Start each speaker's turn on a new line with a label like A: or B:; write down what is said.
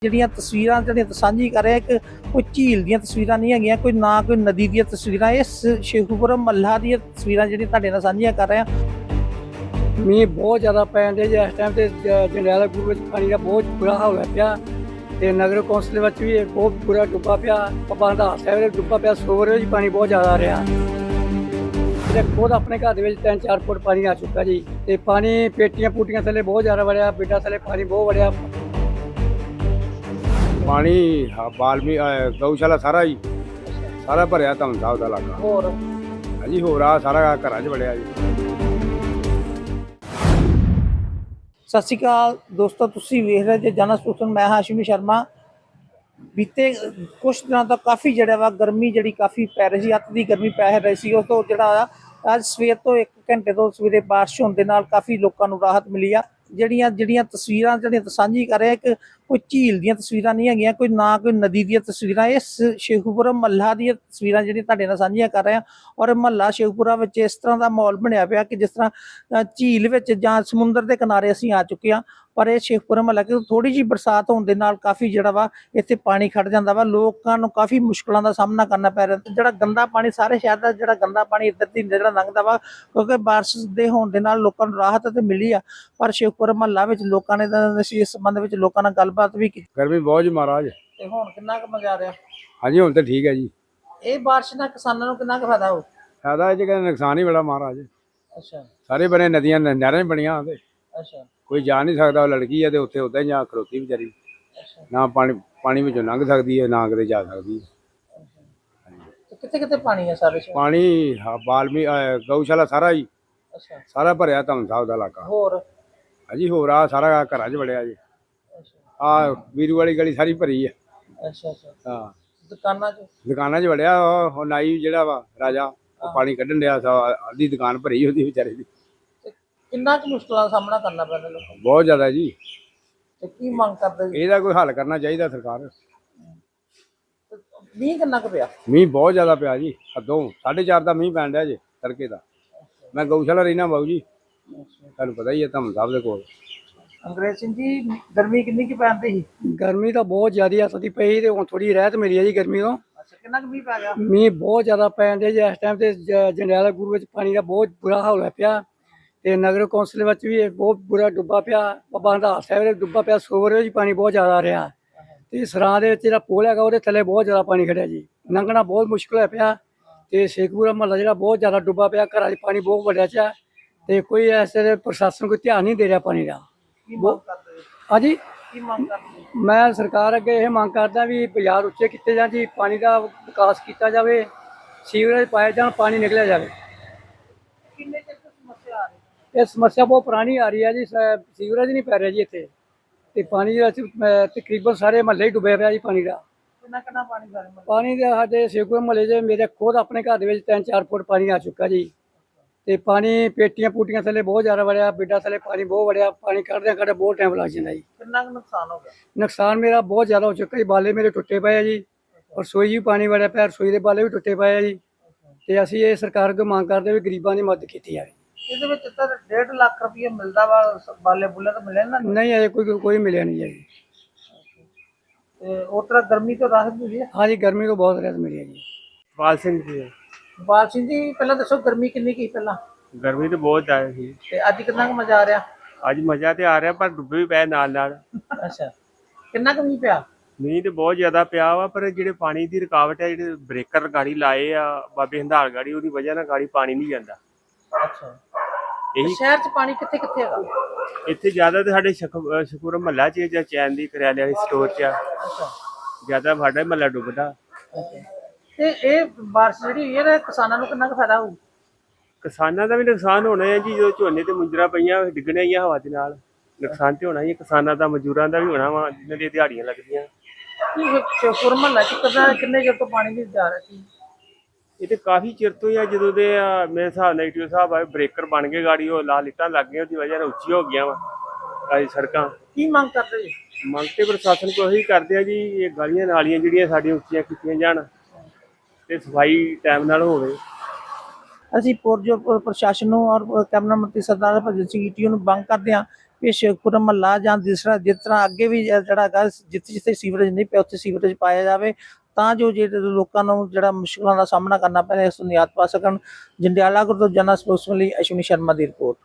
A: ਜਿਹੜੀਆਂ ਤਸਵੀਰਾਂ ਸਾਂਝੀ ਕਰ ਰਿਹਾ ਇੱਕ ਕੋਈ ਝੀਲ ਦੀਆਂ ਤਸਵੀਰਾਂ ਨਹੀਂ ਹੈਗੀਆਂ, ਕੋਈ ਨਾ ਕੋਈ ਨਦੀ ਦੀਆਂ ਤਸਵੀਰਾਂ, ਇਹ ਸ਼ੇਖੂਪੁਰਮ ਮੱਲਾ ਦੀਆਂ ਤਸਵੀਰਾਂ ਜਿਹੜੀ ਤੁਹਾਡੇ ਨਾਲ ਸਾਂਝੀਆਂ ਕਰ ਰਿਹਾ।
B: ਮੀਂਹ ਬਹੁਤ ਜ਼ਿਆਦਾ ਪੈਣ ਦੇ ਇਸ ਟਾਈਮ ਤੇ ਜੰਡਿਆਲਾ ਗੁਰੂ ਵਿੱਚ ਪਾਣੀ ਦਾ ਬਹੁਤ ਬੁਰਾ ਹਾਲ ਹੋਇਆ ਪਿਆ ਤੇ ਨਗਰ ਕੌਂਸਲ ਵਿੱਚ ਵੀ ਬਹੁਤ ਬੁਰਾ ਡੁੱਬਾ ਪਿਆ। ਬਾਬਾ ਹੰਡਾਰ ਸਾਹਿਬ ਦੇ ਡੁੱਬਾ ਪਿਆ, ਸਰੋਵਰ ਵਿੱਚ ਪਾਣੀ ਬਹੁਤ ਜ਼ਿਆਦਾ ਆ ਰਿਹਾ ਤੇ ਖੁਦ ਆਪਣੇ ਘਰ ਦੇ ਵਿੱਚ 3-4 ਫੁੱਟ ਪਾਣੀ ਆ ਚੁੱਕਾ ਜੀ ਤੇ ਪਾਣੀ ਪੇਟੀਆਂ ਪੂਟੀਆਂ ਥੱਲੇ ਬਹੁਤ ਜ਼ਿਆਦਾ ਵੜਿਆ, ਬਿੱਡਾਂ ਥੱਲੇ ਪਾਣੀ ਬਹੁਤ ਵੜਿਆ।
C: ਪਾਣੀ ਬਾਲਮੀ ਗਊਸ਼ਾਲਾ ਸਾਰਾ ਹੀ ਸਾਰਾ ਭਰਿਆ ਧੰਨ ਸਾਹਿਬ ਦਾ ਇਲਾਕਾ।
A: ਹੋਰ
C: ਹਾਂਜੀ ਹੋਰ ਆ ਸਾਰਾ ਘਰਾਂ 'ਚ ਵੜਿਆ ਜੀ।
A: ਸਤਿ ਸ਼੍ਰੀ ਅਕਾਲ ਦੋਸਤੋ, ਤੁਸੀਂ ਵੇਖ ਰਹੇ ਜੇ ਜਨ ਸੂਚਨ, ਮੈਂ ਹਾਸ਼ਮੀ ਸ਼ਰਮਾ। ਬੀਤੇ ਕੁਛ ਦਿਨਾਂ ਤੋਂ ਕਾਫੀ ਜਿਹੜਾ ਵਾ ਗਰਮੀ ਜਿਹੜੀ ਕਾਫੀ ਪੈ ਰਹੀ ਸੀ, ਅੱਤ ਦੀ ਗਰਮੀ ਪੈ ਰਹੀ ਸੀ। ਉਸ ਤੋਂ ਜਿਹੜਾ ਅੱਜ ਸਵੇਰ ਤੋਂ 1 ਘੰਟੇ ਤੋਂ ਸਵੇਰੇ ਬਾਰਿਸ਼ ਹੋਣ ਦੇ ਨਾਲ ਕਾਫੀ ਲੋਕਾਂ ਨੂੰ ਰਾਹਤ ਮਿਲੀ ਆ। ਜਿਹੜੀਆਂ ਤਸਵੀਰਾਂ ਸਾਂਝੀ ਕਰ ਰਿਹਾ ਇੱਕ ਕੋਈ ਝੀਲ ਦੀਆਂ ਤਸਵੀਰਾਂ ਨਹੀਂ ਹੈਗੀਆਂ, ਕੋਈ ਨਾ ਕੋਈ ਨਦੀ ਦੀਆਂ ਤਸਵੀਰਾਂ, ਇਹ ਸ਼ੇਖੂਪੁਰਮ ਮੱਲਾ ਦੀਆਂ ਤਸਵੀਰਾਂ ਜਿਹੜੀਆਂ ਤੁਹਾਡੇ ਨਾਲ ਸਾਂਝੀਆਂ ਕਰ ਰਿਹਾ। ਔਰ ਮਹੱਲਾ ਸ਼ੇਖੂਪੁਰਾ ਵਿੱਚ ਇਸ ਤਰ੍ਹਾਂ ਦਾ ਮਾਹੌਲ ਬਣਿਆ ਪਿਆ ਕਿ ਜਿਸ ਤਰ੍ਹਾਂ ਝੀਲ ਵਿੱਚ ਜਾਂ ਸਮੁੰਦਰ ਦੇ ਕਿਨਾਰੇ ਅਸੀਂ ਆ ਚੁੱਕੇ ਹਾਂ। ਪਰ ਇਹ ਸ਼ੇਖੂਪੁਰਾ ਮਹੱਲਾ ਕਿ ਥੋੜੀ ਜਿਹੀ ਬਰਸਾਤ ਹੋਣ ਦੇ ਨਾਲ ਕਾਫੀ ਜਿਹੜਾ ਵਾ ਇੱਥੇ ਪਾਣੀ ਖੜ ਜਾਂਦਾ ਵਾ, ਲੋਕਾਂ ਨੂੰ ਕਾਫੀ ਮੁਸ਼ਕਲਾਂ ਦਾ ਸਾਹਮਣਾ ਕਰਨਾ ਪੈ ਰਿਹਾ। ਤੇ ਜਿਹੜਾ ਗੰਦਾ ਪਾਣੀ ਸਾਰੇ ਸ਼ਹਿਰ ਦਾ ਜਿਹੜਾ ਗੰਦਾ ਪਾਣੀ ਇੱਧਰ ਦੀ ਜਿਹੜਾ ਲੰਘਦਾ ਵਾ, ਕਿਉਂਕਿ ਬਾਰਿਸ਼ ਦੇ ਹੋਣ ਦੇ ਨਾਲ ਲੋਕਾਂ ਨੂੰ ਰਾਹਤ ਤੇ ਮਿਲੀ ਆ। ਪਰ ਸ਼ੇਖੂਪੁਰਾ ਮਹੱਲਾ ਵਿੱਚ ਲੋਕਾਂ ਨੇ ਇਸ ਸੰਬੰਧ ਵਿੱਚ ਲੋਕਾਂ ਨਾਲ ਗੱਲਬਾਤ ਵੀ ਕੀਤੀ।
C: ਗਰਮੀ ਬਹੁਤ ਜੀ ਮਹਾਰਾਜ।
A: ਤੇ ਹੁਣ ਕਿੰਨਾ ਕੁ ਮਜ਼ਾ ਆ ਰਿਹਾ?
C: ਹਾਂਜੀ ਹੁਣ ਤਾਂ ਠੀਕ ਹੈ ਜੀ।
A: ਇਹ ਬਾਰਿਸ਼ ਨਾਲ ਕਿਸਾਨਾਂ ਨੂੰ ਕਿੰਨਾ ਕੁ ਫਾਇਦਾ ਹੋ?
C: ਫਾਇਦਾ ਇਹ 'ਚ ਕਹਿੰਦੇ ਨੁਕਸਾਨ ਹੀ ਬੜਾ ਮਹਾਰਾਜ।
A: ਅੱਛਾ
C: ਸਾਰੇ ਬਣੇ ਨਦੀਆਂ ਨਹਿਰਾਂ ਬਣੀਆਂ ਤੇ
A: ਅੱਛਾ
C: ਕੋਈ ਜਾ ਨਹੀਂ ਸਕਦਾ। ਉਹ ਲੜਕੀ ਹੈ ਤੇ ਉੱਥੇ ਉੱਦਾਂ ਹੀ ਜਾ ਖਲੋਤੀ ਵਿਚਾਰੀ,
A: ਅੱਛਾ
C: ਨਾ ਪਾਣੀ ਵਿੱਚੋਂ ਲੰਘ ਸਕਦੀ ਹੈ ਨਾ ਕਿਤੇ ਜਾ ਸਕਦੀ ਹੈ।
A: ਕਿੱਥੇ ਕਿੱਥੇ ਪਾਣੀ ਹੈ ਸਾਰੇ ਸ਼ਹਿਰ?
C: ਪਾਣੀ ਬਾਲਮੀ ਗਊਸ਼ਾਲਾ ਸਾਰਾ ਹੀ
A: ਅੱਛਾ
C: ਸਾਰਾ ਭਰਿਆ ਧੰਨ ਸਾਹਿਬ ਦਾ ਇਲਾਕਾ।
A: ਹੋਰ
C: ਹਾਂਜੀ ਹੋਰ ਆ ਸਾਰਾ ਘਰਾਂ 'ਚ ਵੜਿਆ ਜੀ।
A: ਅੱਛਾ
C: ਆ ਵੀਰੂ ਵਾਲੀ ਗਲੀ ਸਾਰੀ ਭਰੀ ਹੈ।
A: ਅੱਛਾ ਅੱਛਾ
C: ਹਾਂ
A: ਦੁਕਾਨਾਂ 'ਚ?
C: ਦੁਕਾਨਾਂ 'ਚ ਵੜਿਆ। ਉਹ ਨਾਈ ਜਿਹੜਾ ਵਾ ਰਾਜਾ, ਉਹ ਪਾਣੀ ਕੱਢਣ ਡਿਆ। ਅੱਧੀ ਦੁਕਾਨ ਭਰੀ ਉਹਦੀ ਵਿਚਾਰੇ ਦੀ।
A: ਤੇ ਕਿੰਨਾ ਕੁ ਮੁਸ਼ਕਲਾਂ ਦਾ ਸਾਹਮਣਾ ਕਰਨਾ ਪੈਂਦਾ ਲੋਕਾਂ ਨੂੰ?
C: ਬਹੁਤ ਜ਼ਿਆਦਾ ਜੀ।
A: ਤੇ ਕੀ ਮੰਗ ਕਰਦੇ ਜੀ?
C: ਇਹਦਾ ਕੋਈ ਹੱਲ ਕਰਨਾ ਚਾਹੀਦਾ ਸਰਕਾਰ।
A: ਮੀਂਹ ਕਿੰਨਾ ਕੁ ਪਿਆ?
C: ਮੀਂਹ ਬਹੁਤ ਜ਼ਿਆਦਾ ਪਿਆ ਜੀ, ਹੱਦੋਂ 4:30 ਦਾ ਮੀਂਹ ਪੈਣ ਡਿਆ ਜੀ ਤੜਕੇ ਦਾ। ਮੈਂ ਗਊਸ਼ਾਲਾ ਰਹਿਣਾ ਬਾਊ ਜੀ, ਤੁਹਾਨੂੰ ਪਤਾ ਹੀ ਹੈ ਧੰਨ ਸਾਹਿਬ ਦੇ ਕੋਲ।
A: ਅੰਗਰੇਜ਼ ਸਿੰਘ ਜੀ, ਗਰਮੀ ਕਿੰਨੀ ਕੁ ਪੈਂਦੀ ਸੀ?
B: ਗਰਮੀ ਤਾਂ ਬਹੁਤ ਜ਼ਿਆਦਾ ਸਦੀ ਪਈ ਤੇ ਹੁਣ ਥੋੜੀ ਰਹਿਤ ਮਿਲੀ ਹੈ ਜੀ ਗਰਮੀ ਤੋਂ।
A: ਅੱਛਾ ਕਿੰਨਾ ਕੁ ਮੀਂਹ ਪੈ ਗਿਆ?
B: ਮੀਂਹ ਬਹੁਤ ਜ਼ਿਆਦਾ ਪੈਣ ਦੇ ਇਸ ਟਾਈਮ ਤੇ ਜੰਡਿਆਲਾ ਗੁਰੂ ਵਿੱਚ ਪਾਣੀ ਦਾ ਬਹੁਤ ਬੁਰਾ ਹਾਲ ਹੋਇਆ ਪਿਆ ਤੇ ਨਗਰ ਕੌਂਸਲ ਵਿੱਚ ਵੀ ਬਹੁਤ ਬੁਰਾ ਡੁੱਬਾ ਪਿਆ। ਬਾਬਾ ਹੰਡਾਰ ਸਾਹਿਬ ਦੇ ਡੁੱਬਾ ਪਿਆ, ਸਰੋਵਰ ਵਿੱਚ ਪਾਣੀ ਬਹੁਤ ਜ਼ਿਆਦਾ ਆ ਰਿਹਾ ਤੇ ਸਰਾਂ ਦੇ ਵਿੱਚ ਜਿਹੜਾ ਪੁਲ ਹੈਗਾ ਉਹਦੇ ਥੱਲੇ ਬਹੁਤ ਜ਼ਿਆਦਾ ਪਾਣੀ ਖੜਿਆ ਜੀ। ਲੰਘਣਾ ਬਹੁਤ ਮੁਸ਼ਕਲ ਹੋਇਆ ਪਿਆ ਤੇ ਸ਼ੇਖੂਪੁਰਾ ਮਹੱਲਾ ਜਿਹੜਾ ਬਹੁਤ ਜ਼ਿਆਦਾ ਡੁੱਬਾ ਪਿਆ। ਘਰਾਂ 'ਚ ਪਾਣੀ ਬਹੁਤ ਵੜਿਆ ਚਾ ਤੇ ਕੋਈ ਐਸੇ ਪ੍ਰਸ਼ਾਸਨ ਕੋਈ ਧਿਆਨ ਨਹੀਂ ਦੇ ਰਿਹਾ ਪਾਣੀ ਦਾ।
A: ਕੀ ਮੰਗ ਕਰਦੇ ਜੀ?
B: ਹਾਂਜੀ
A: ਕੀ ਮੰਗ ਕਰਦੇ?
B: ਮੈਂ ਸਰਕਾਰ ਅੱਗੇ ਇਹ ਮੰਗ ਕਰਦਾ ਵੀ ਬਾਜ਼ਾਰ ਉੱਚੇ ਕੀਤੇ ਜਾਣ ਜੀ, ਪਾਣੀ ਦਾ ਵਿਕਾਸ ਕੀਤਾ ਜਾਵੇ, ਸੀਵਰੇਜ ਪਾਏ ਜਾਣ, ਪਾਣੀ ਨਿਕਲਿਆ ਜਾਵੇ।
A: ਕਿੰਨੇ ਚਿਰ ਤੋਂ ਸਮੱਸਿਆ ਆ ਰਹੀ?
B: ਇਹ ਸਮੱਸਿਆ ਬਹੁਤ ਪੁਰਾਣੀ ਆ ਰਹੀ ਹੈ ਜੀ। ਸੀਵਰੇਜ ਨਹੀਂ ਪੈ ਰਿਹਾ ਜੀ ਇੱਥੇ ਤੇ ਪਾਣੀ ਤਕਰੀਬਨ ਸਾਰੇ ਮਹੱਲੇ ਹੀ ਡੁੱਬਿਆ ਪਿਆ ਜੀ ਪਾਣੀ ਦਾ।
A: ਕਿੰਨਾ ਕਿੰਨਾ ਪਾਣੀ ਸਾਰੇ ਮਹੱਲੇ?
B: ਪਾਣੀ ਦੇ ਸਾਡੇ ਸ਼ੇਖੂਪੁਰਾ ਮਹੱਲੇ 'ਚ ਮੇਰੇ ਖੁਦ ਆਪਣੇ ਘਰ ਦੇ ਵਿੱਚ 3-4 ਫੁੱਟ ਪਾਣੀ ਆ ਚੁੱਕਾ ਜੀ ਤੇ ਪਾਣੀ ਪੇਟੀਆਂ ਪੂਟੀਆਂ ਥੱਲੇ ਬਹੁਤ ਜ਼ਿਆਦਾ ਵੜਿਆ, ਬਿੱਡਾਂ ਥੱਲੇ ਪਾਣੀ ਬਹੁਤ ਵੜਿਆ। ਪਾਣੀ ਕੱਢਦਿਆਂ ਕੱਢ ਬਹੁਤ ਟਾਈਮ ਲੱਗ ਜਾਂਦਾ ਜੀ।
A: ਕਿੰਨਾ ਕੁ ਨੁਕਸਾਨ ਹੋ ਗਿਆ?
B: ਨੁਕਸਾਨ ਮੇਰਾ ਬਹੁਤ ਜ਼ਿਆਦਾ ਹੋ ਚੁੱਕਾ ਜੀ। ਬਾਲੇ ਮੇਰੇ ਟੁੱਟੇ ਪਏ ਆ ਜੀ, ਰਸੋਈ ਵੀ ਪਾਣੀ ਵੜਿਆ ਪਿਆ, ਰਸੋਈ ਦੇ ਬਾਲੇ ਵੀ ਟੁੱਟੇ ਪਏ ਆ ਜੀ ਤੇ ਅਸੀਂ ਇਹ ਸਰਕਾਰ ਕੋਲ ਮੰਗ ਕਰਦੇ ਵੀ ਗਰੀਬਾਂ ਦੀ ਮਦਦ ਕੀਤੀ ਜਾਵੇ।
A: ਇਹਦੇ ਵਿੱਚ ਤਾਂ 1.5 ਲੱਖ ਰੁਪਏ ਮਿਲਦਾ ਵਾ, ਬਾਲੇ ਬੁੱਲੇ ਤਾਂ ਮਿਲੇ ਨਾ?
B: ਨਹੀਂ ਅਜੇ ਕੋਈ ਮਿਲਿਆ ਨਹੀਂ ਜੀ।
A: ਤੇ ਉਸ ਤਰ੍ਹਾਂ ਗਰਮੀ ਤੋਂ ਰਾਹਤ ਮਿਲੀ ਹੈ?
B: ਹਾਂਜੀ ਗਰਮੀ ਤੋਂ ਬਹੁਤ ਰਾਹਤ ਮਿਲੀ ਹੈ ਜੀ।
C: ਪਾਲ ਸਿੰਘ ਜੀ।
A: ਬਾਲ ਸਿੰਘ ਜੀ, ਪਹਿਲਾਂ ਦੱਸੋ ਗਰਮੀ ਕਿੰਨੀ ਕੀ ਪਹਿਲਾਂ?
C: ਗਰਮੀ ਤਾਂ ਬਹੁਤ ਜ਼ਿਆਦਾ ਸੀ।
A: ਤੇ ਅੱਜ ਕਿੰਨਾ ਕੁ ਮਜ਼ਾ ਆ ਰਿਹਾ?
C: ਅੱਜ ਮਜ਼ਾ ਤੇ ਆ ਰਿਹਾ ਪਰ ਡੁੱਬੇ ਵੀ ਪਏ ਨਾਲ ਨਾਲ।
A: ਅੱਛਾ ਕਿੰਨਾ ਕੁ ਮੀਂਹ ਪਿਆ?
C: ਮੀਂਹ ਤੇ ਬਹੁਤ ਜ਼ਿਆਦਾ ਪਿਆ ਵਾ, ਪਰ ਜਿਹੜੇ ਪਾਣੀ ਦੀ ਰੁਕਾਵਟ ਹੈ, ਜਿਹੜੇ ਬ੍ਰੇਕਰ ਗਾੜੀ ਲਾਏ ਆ ਬਾਬੇ ਹੰਧਾਰ ਗਾੜੀ, ਉਹਦੀ ਵਜ੍ਹਾ ਨਾਲ ਗਾੜੀ ਪਾਣੀ ਨਹੀਂ ਜਾਂਦਾ।
A: ਅੱਛਾ
C: ਇਹੀ
A: ਸ਼ਹਿਰ 'ਚ ਪਾਣੀ ਕਿੱਥੇ ਕਿੱਥੇ ਹੈਗਾ?
C: ਇੱਥੇ ਜ਼ਿਆਦਾ ਤੇ ਸਾਡੇ ਸ਼ਕੂਰ ਮਹੱਲਾ 'ਚ ਜਾਂ ਚੈਨ ਦੀ ਕਰਿਆਲੇ ਵਾਲੀ ਸਟੋਰ 'ਚ ਆ
A: ਅੱਛਾ
C: ਜ਼ਿਆਦਾ ਸਾਡਾ ਮਹੱਲਾ ਡੁੱਬਦਾ।
A: ਤੇ ਇਹ ਬਾਰਿਸ਼ ਜਿਹੜੀ ਹੋਈ ਹੈ ਕਿਸਾਨਾਂ ਨੂੰ ਕਿੰਨਾ ਕੁ ਫਾਇਦਾ ਹੋਊ?
C: ਕਿਸਾਨਾਂ ਦਾ ਵੀ ਨੁਕਸਾਨ ਹੋਣਾ ਹੈ ਜੀ। ਜਦੋਂ ਝੋਨੇ ਤੇ ਮੁੰਜਰਾ ਪਈਆਂ ਡਿੱਗਣੇ ਹੀ ਆ ਹਵਾ ਦੇ ਨਾਲ, ਨੁਕਸਾਨ ਤੇ ਹੋਣਾ ਹੀ। ਕਿਸਾਨਾਂ ਦਾ, ਮਜ਼ਦੂਰਾਂ ਦਾ ਵੀ ਹੋਣਾ ਵਾ ਜਿਨ੍ਹਾਂ ਦੀਆਂ ਦਿਹਾੜੀਆਂ ਲੱਗਦੀਆਂ।
A: ਸ਼ੇਖੂਪੁਰਾ ਮਹੱਲਾ 'ਚ ਕਿੰਨੇ ਚਿਰ ਤੋਂ ਪਾਣੀ ਨਹੀਂ ਜਾ ਰਿਹਾ ਸੀ?
C: ਇਹ ਤੇ ਕਾਫੀ ਚਿਰ ਤੋਂ ਹੀ ਆ। ਜਦੋਂ ਦੇ ਮੇਰੇ ਹਿਸਾਬ ਨਾਲ ਈਟੀਓ ਸਾਹਿਬ ਆਏ, ਬ੍ਰੇਕਰ ਬਣ ਗਏ, ਗਾੜੀ ਉਹ ਲਾ ਲਿੱਟਾਂ ਲੱਗ ਗਈਆਂ, ਉਹਦੀ ਵਜ੍ਹਾ ਨਾਲ ਉੱਚੀ ਹੋ ਗਈਆਂ ਵਾ ਸੜਕਾਂ।
A: ਕੀ ਮੰਗ ਕਰਦੇ ਜੀ?
C: ਮੰਗ ਤੇ ਪ੍ਰਸ਼ਾਸਨ ਕੋਲ ਇਹੀ ਕਰਦੇ ਆ ਜੀ, ਇਹ ਗਲੀਆਂ ਨਾਲੀਆਂ ਜਿਹੜੀਆਂ ਸਾਡੀਆਂ ਉੱਚੀਆਂ ਕੀਤੀਆਂ ਜਾਣ ਤੇ ਸਫਾਈ ਟਾਈਮ ਨਾਲ ਹੋਵੇ।
A: ਅਸੀਂ ਪੁਰਜੋਰ ਪ੍ਰਸ਼ਾਸਨ ਨੂੰ ਔਰ ਕੈਬਨਿਟ ਮੰਤਰੀ ਸਰਦਾਰ ਭਗਤ ਸਿੰਘ ਈਟੀਓ ਨੂੰ ਮੰਗ ਕਰਦੇ ਹਾਂ ਵੀ ਸ਼ੇਖਪੁਰਾ ਮਹੱਲਾ ਜਾਂ ਜਿਸ ਤਰ੍ਹਾਂ ਅੱਗੇ ਵੀ ਜਿਹੜਾ ਹੈਗਾ ਜਿੱਥੇ ਜਿੱਥੇ ਸੀਵਰੇਜ ਨਹੀਂ ਪਿਆ ਉੱਥੇ ਸੀਵਰੇਜ ਪਾਇਆ ਜਾਵੇ, ਤਾਂ ਜੋ ਜਿਹੜੇ ਲੋਕਾਂ ਨੂੰ ਜਿਹੜਾ ਮੁਸ਼ਕਲਾਂ ਦਾ ਸਾਹਮਣਾ ਕਰਨਾ ਪੈ ਰਿਹਾ ਇਸ ਤੋਂ ਨਿਜਾਤ ਪਾ ਸਕਣ। ਜੰਡਿਆਲਾ ਗੁਰੂ ਤੋਂ ਜਨ ਸਪੋਕਸਮੈਨ ਲਈ ਅਸ਼ਵਨੀ ਸ਼ਰਮਾ ਦੀ ਰਿਪੋਰਟ।